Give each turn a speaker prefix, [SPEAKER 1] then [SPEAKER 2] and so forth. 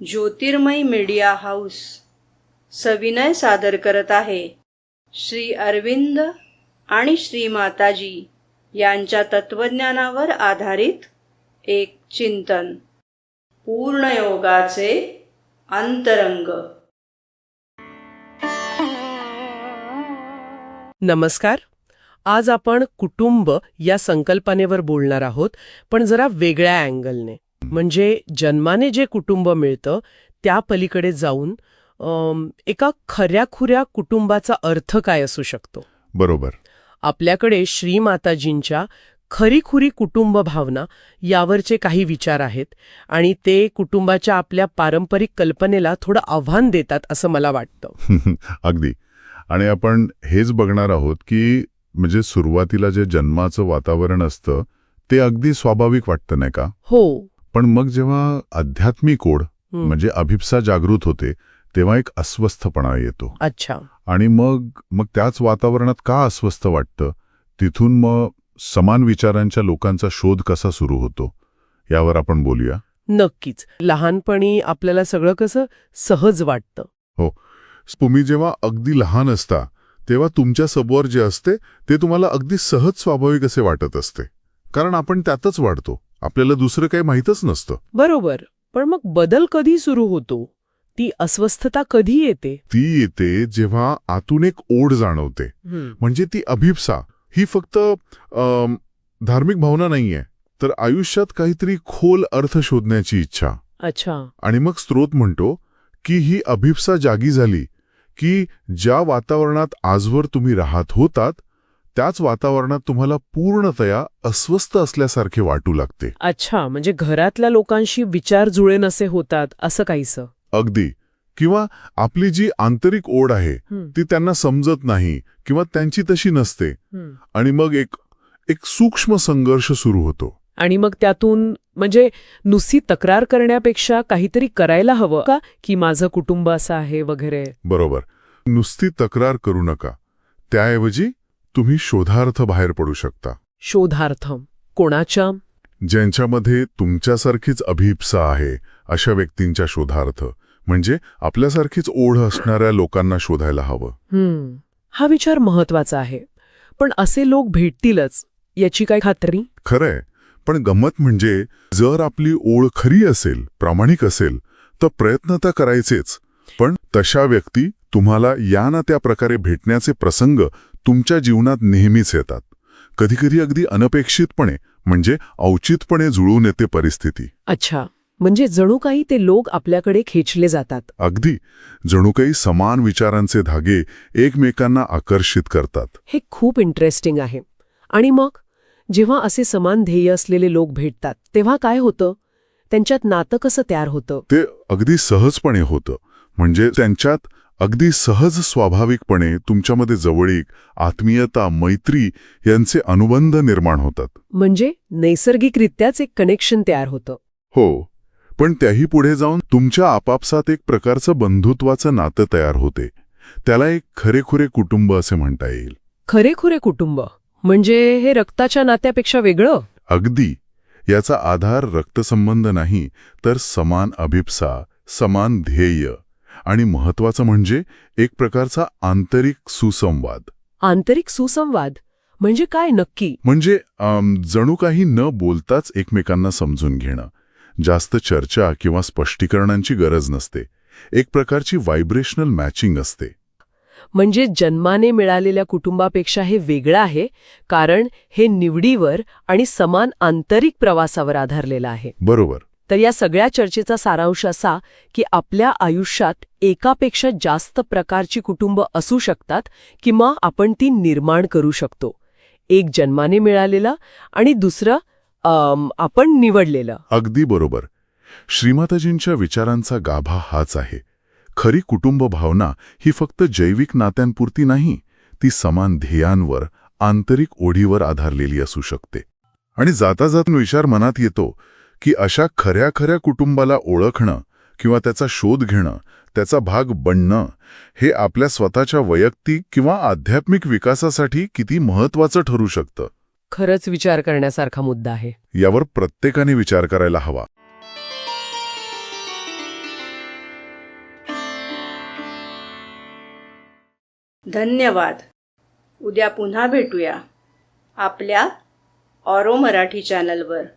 [SPEAKER 1] ज्योतिर्मय media house सविनय सादर करत आहे श्री अरविंद आणि श्री माताजी यांच्या तत्वज्ञानावर आधारित एक चिंतन, पूर्णयोगाचे अंतरंग.
[SPEAKER 2] नमस्कार. आज आपण कुटुंब या संकल्पनेवर बोलणार आहोत, पण जरा वेगळ्या अँगलने. म्हणजे जन्माने जे कुटुंब मिळतं त्या पलीकडे जाऊन एका खऱ्याखुऱ्या कुटुंबाचा अर्थ काय असू शकतो.
[SPEAKER 3] बरोबर.
[SPEAKER 2] आपल्याकडे श्रीमाताजींच्या खरीखुरी कुटुंब भावना यावरचे काही विचार आहेत आणि ते कुटुंबाच्या आपल्या पारंपरिक कल्पनेला थोडं आव्हान देतात असं मला वाटतं.
[SPEAKER 3] अगदी. आणि आपण हेच बघणार आहोत की म्हणजे सुरुवातीला जे जन्माचं वातावरण असतं ते अगदी स्वाभाविक वाटतं, नाही का?
[SPEAKER 2] हो.
[SPEAKER 3] पण मग जेव्हा आध्यात्मिक ओढ म्हणजे अभिप्सा जागृत होते तेव्हा एक अस्वस्थपणा येतो.
[SPEAKER 2] अच्छा.
[SPEAKER 3] आणि मग त्याच वातावरणात का अस्वस्थ वाटतं, तिथून मग समान विचारांच्या लोकांचा शोध कसा सुरू होतो यावर आपण बोलूया.
[SPEAKER 2] नक्कीच. लहानपणी आपल्याला सगळं कसं सहज वाटतं.
[SPEAKER 3] हो. तुम्ही जेव्हा अगदी लहान असता तेव्हा तुमच्या समोर जे असते ते तुम्हाला अगदी सहज स्वाभाविक असे वाटत असते, कारण आपण त्यातच वाढतो, आपल्याला दुसरं काही माहीतच नसतं.
[SPEAKER 2] बरोबर. पण मग बदल कधी सुरू होतो? ती अस्वस्थता कधी येते?
[SPEAKER 3] ती येते जेव्हा आतून एक ओढ जाणवते. म्हणजे ती अभिप्सा ही फक्त धार्मिक भावना नाहीये, तर आयुष्यात काहीतरी खोल अर्थ शोधण्याची इच्छा.
[SPEAKER 2] अच्छा.
[SPEAKER 3] आणि मग स्रोत म्हणतो की ही अभिप्सा जागी झाली की ज्या वातावरणात आजवर तुम्ही राहत होतात त्याच वातावरणात तुम्हाला पूर्णतया अस्वस्थ असल्यासारखे वाटू लागते.
[SPEAKER 2] अच्छा. म्हणजे घरातल्या लोकांशी विचार जुळे नसे होतात असं काहीसं.
[SPEAKER 3] अगदी. किंवा आपली जी आंतरिक ओढ आहे ती त्यांना समजत नाही किंवा त्यांची तशी नसते. आणि मग एक सूक्ष्म संघर्ष सुरू होतो.
[SPEAKER 2] आणि मग त्यातून म्हणजे नुसती तक्रार करण्यापेक्षा काहीतरी करायला हवं का, की माझं कुटुंब असं आहे वगैरे.
[SPEAKER 3] बरोबर. नुसती तक्रार करू नका, त्याऐवजी तुम्ही शोधार्थ बाहेर पडू शकता.
[SPEAKER 2] शोधार्थ कोणाच्या?
[SPEAKER 3] ज्यांच्यामध्ये तुमच्यासारखीच अभिप्सा आहे अशा व्यक्तींच्या शोधार्थ. म्हणजे आपल्यासारखीच ओढ असणाऱ्या लोकांना शोधायला हवं.
[SPEAKER 2] हा विचार महत्वाचा आहे. पण असे लोक भेटतीलच याची काय खात्री?
[SPEAKER 3] खरंय. पण गंमत म्हणजे जर आपली ओढ खरी असेल, प्रामाणिक असेल, तर प्रयत्न तर करायचेच. पण तशा व्यक्ती तुम्हाला या ना त्या प्रकारे भेटण्याचे प्रसंग तुमच्या जीवनात नेहमीच येतात. कधीकधी अगदी अनपेक्षितपणे, म्हणजे औचितपणे जुळून येते परिस्थिती.
[SPEAKER 2] अच्छा. म्हणजे जणू काही ते लोक आपल्याकडे खेचले जातात.
[SPEAKER 3] अगदी. जणू काही समान विचारांचे धागे एकमेकांना आकर्षित करतात.
[SPEAKER 2] हे खूप इंटरेस्टिंग आहे. आणि मग जेव्हा असे समान ध्येय असलेले लोक भेटतात तेव्हा काय होतं? त्यांच्यात नातं कसं तयार होतं?
[SPEAKER 3] ते अगदी सहजपणे होतं. म्हणजे त्यांच्यात अगदी सहज स्वाभाविकपणे तुमच्यामध्ये जवळीक, आत्मीयता, मैत्री यांचे अनुबंध निर्माण होतात.
[SPEAKER 2] म्हणजे नैसर्गिकरित्याच एक कनेक्शन तयार होतं.
[SPEAKER 3] हो. पण त्याही पुढे जाऊन तुमच्या आपापसात एक प्रकारचं बंधुत्वाचं नातं तयार होते. त्याला एक खरेखुरे कुटुंब असे म्हणता येईल.
[SPEAKER 2] खरेखुरे कुटुंब म्हणजे हे रक्ताच्या नात्यापेक्षा वेगळं?
[SPEAKER 3] अगदी. याचा आधार रक्तसंबंध नाही, तर समान अभिप्सा, समान ध्येय आणि महत्वाचं म्हणजे एक प्रकारचा आंतरिक सुसंवाद.
[SPEAKER 2] आंतरिक सुसंवाद म्हणजे काय नक्की?
[SPEAKER 3] म्हणजे जणू काही न बोलताच एकमेकांना समजून घेणं. जास्त चर्चा किंवा स्पष्टीकरणांची गरज नसते. एक प्रकारची व्हायब्रेशनल मॅचिंग असते.
[SPEAKER 2] म्हणजे जन्माने मिळालेल्या कुटुंबापेक्षा हे वेगळं आहे, कारण हे निवडीवर आणि समान आंतरिक प्रवासावर आधारलेलं आहे.
[SPEAKER 3] बरोबर.
[SPEAKER 2] तर या सगळ्या चर्चेचा सारांश असा की आपल्या आयुष्यात एकापेक्षा जास्त प्रकारची कुटुंब असू शकतात किंवा आपण ती निर्माण करू शकतो. एक जन्माने मिळालेलं आणि दुसरं आपण निवडलेलं.
[SPEAKER 3] अगदी बरोबर. श्रीमाताजींच्या विचारांचा गाभा हाच आहे. खरी कुटुंब भावना ही फक्त जैविक नात्यांपुरती नाही, ती समान ध्येयांवर, आंतरिक ओढीवर आधारलेली असू शकते. आणि जाता जाता विचार मनात येतो की अशा खऱ्या खऱ्या कुटुंबाला ओळखणं किंवा त्याचा शोध घेणं, त्याचा भाग बनणं, हे आपल्या स्वतःच्या वैयक्तिक किंवा आध्यात्मिक विकासासाठी किती महत्वाचं ठरू शकतं.
[SPEAKER 2] खरंच विचार करण्यासारखा मुद्दा आहे.
[SPEAKER 3] यावर प्रत्येकाने विचार करायला हवा.
[SPEAKER 1] धन्यवाद. उद्या पुन्हा भेटूया आपल्या ऑरो मराठी चॅनलवर.